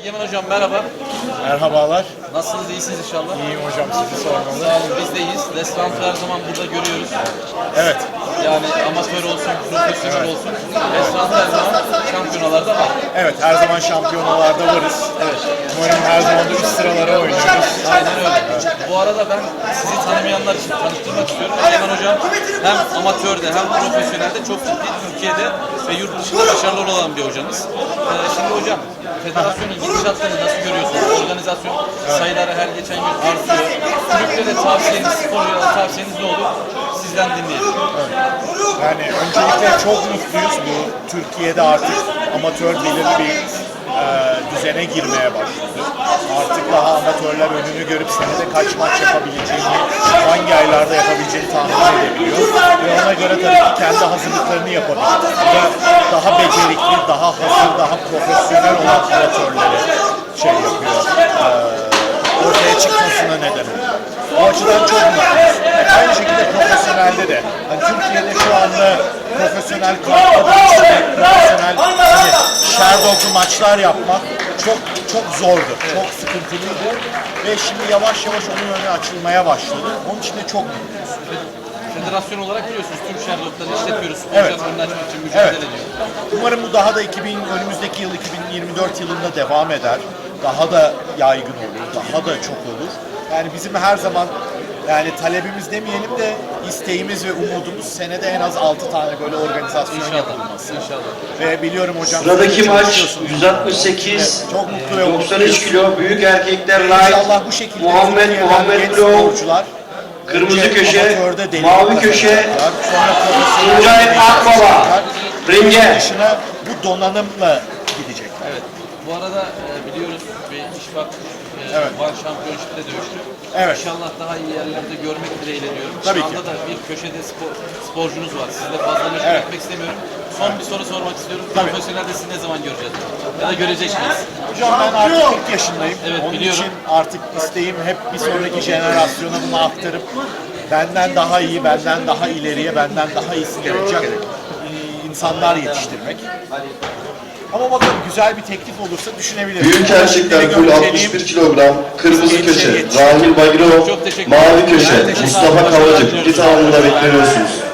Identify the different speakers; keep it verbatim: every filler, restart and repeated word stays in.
Speaker 1: Egemen Hocam merhaba.
Speaker 2: Merhabalar.
Speaker 1: Nasılsınız? İyisiniz inşallah.
Speaker 2: İyiyim hocam, sizi sormalı.
Speaker 1: Sağ olun. Biz de iyiyiz. Restoranı her zaman burada görüyoruz.
Speaker 2: Evet.
Speaker 1: Yani amatör olsun, profesyonel olsun. Restoranı her zaman şampiyonalarda var.
Speaker 2: Evet, her zaman şampiyonalarda varız.
Speaker 1: Evet.
Speaker 2: Umarım her zaman da üst sıralara oynuyoruz.
Speaker 1: Aynen öyle. Bu arada ben sizi tanımayanlar için tanıştırmak istiyorum. Egemen Hocam hem amatörde hem profesyonelde çok ciddi Türkiye'de ve yurt dışında başarılı olan bir hocamız. Ee, şimdi hocam, federasyonun gidişatlarını nasıl görüyorsunuz? Organizasyon sayıları her geçen gün artıyor. Kulüplere tavsiyeniz, sporculara tavsiyeniz ne olur? Sizden dinleyelim.
Speaker 2: Yani öncelikle çok mutluyuz. Bu Türkiye'de artık amatör belirli bir e, düzene girmeye başladı. Artık daha amatörler önünü görüp senede kaç maç yapabileceğini, hangi aylarda yapabileceğini tahmin edebiliyor. Ve ona göre tabii ki kendi hazırlıklarını yapabiliyor. Bu da daha becerikli, daha hazır, daha profesyonel olan amatörleri şey yapıyor. E, ortaya çıkmasına neden oluyor. O açıdan çok mutluyuz. Aynı şekilde profesyonelde de. Hani Türkiye'de şu anda profesyonel kampta profesyonel hani Sherdog'lu maçlar yapmak çok çok zordu. Çok sıkıntılıydı. Ve şimdi yavaş yavaş onun önü açılmaya başladı. Onun için de çok mutluyuz.
Speaker 1: Federasyon olarak biliyorsunuz tüm Sherdog'ları işletiyoruz.
Speaker 2: Evet.
Speaker 1: Sporcuların önüne açmak için mücadele
Speaker 2: Evet.
Speaker 1: ediyor.
Speaker 2: Umarım bu daha da iki bin, önümüzdeki yıl iki bin yirmi dört yılında devam eder. Daha da yaygın olur. Daha da çok olur. Yani bizim her zaman yani talebimiz demeyelim de isteğimiz ve umudumuz senede en az altı tane böyle organizasyon
Speaker 1: İnşallah.
Speaker 2: yapılması.
Speaker 1: İnşallah.
Speaker 2: Ve biliyorum hocam.
Speaker 3: Sıradaki
Speaker 2: siz de
Speaker 3: maç
Speaker 2: çalışıyorsunuz.
Speaker 3: yüz altmış sekiz,
Speaker 2: Evet, çok mutlu ve
Speaker 3: doksan üç
Speaker 2: mutluyuz.
Speaker 3: kilo büyük erkekler
Speaker 2: İnşallah
Speaker 3: light,
Speaker 2: bu şekilde
Speaker 3: Muhammed
Speaker 2: Türkiye'den
Speaker 3: Muhammed
Speaker 2: genç
Speaker 3: Blow,
Speaker 2: sporcular
Speaker 3: kırmızı
Speaker 2: önce
Speaker 3: köşe,
Speaker 2: amatörde deneyim
Speaker 3: mavi köşe,
Speaker 2: kazanacaklar. Sonra profesyonel
Speaker 3: Tuncay
Speaker 2: deneyim
Speaker 3: Akbaba,
Speaker 2: kazanacaklar.
Speaker 3: ringe.
Speaker 2: Bunun dışına bu donanımla gidecekler.
Speaker 1: Evet. Bu arada e, biliyoruz ve İşbak e,
Speaker 2: Evet.
Speaker 1: One Championship'te dövüştü.
Speaker 2: Evet.
Speaker 1: İnşallah daha iyi yerlerde görmek dileğiyle diyorum.
Speaker 2: Tabii
Speaker 1: Şu
Speaker 2: ki.
Speaker 1: anda da bir köşede spor, sporcunuz var. Sizle fazla meşgul
Speaker 2: Evet.
Speaker 1: etmek istemiyorum. Son bir soru sormak istiyorum.
Speaker 2: Tabii.
Speaker 1: Profesyonelde sizi ne zaman göreceğiz? Ya da görecek miyiz?
Speaker 2: Hocam ben artık kırk yaşındayım.
Speaker 1: Evet,
Speaker 2: Onun
Speaker 1: biliyorum.
Speaker 2: için artık isteğim hep bir sonraki jenerasyona bunu aktarıp benden daha iyi, benden daha ileriye, benden daha iyisini yapacak e, insanlar yetiştirmek. Ama bakalım güzel bir teklif olursa düşünebiliriz.
Speaker 3: büyük erkekler full altmış bir kilogram, kırmızı köşe, Rahil Bagirov,
Speaker 1: Çok teşekkür
Speaker 3: mavi
Speaker 1: ederim.
Speaker 3: köşe,
Speaker 1: Herkese sağ olun.
Speaker 3: Mustafa
Speaker 1: Başarılar
Speaker 3: Kavacık,
Speaker 1: diliyoruz.
Speaker 3: bir tamamında bekliyorsunuz.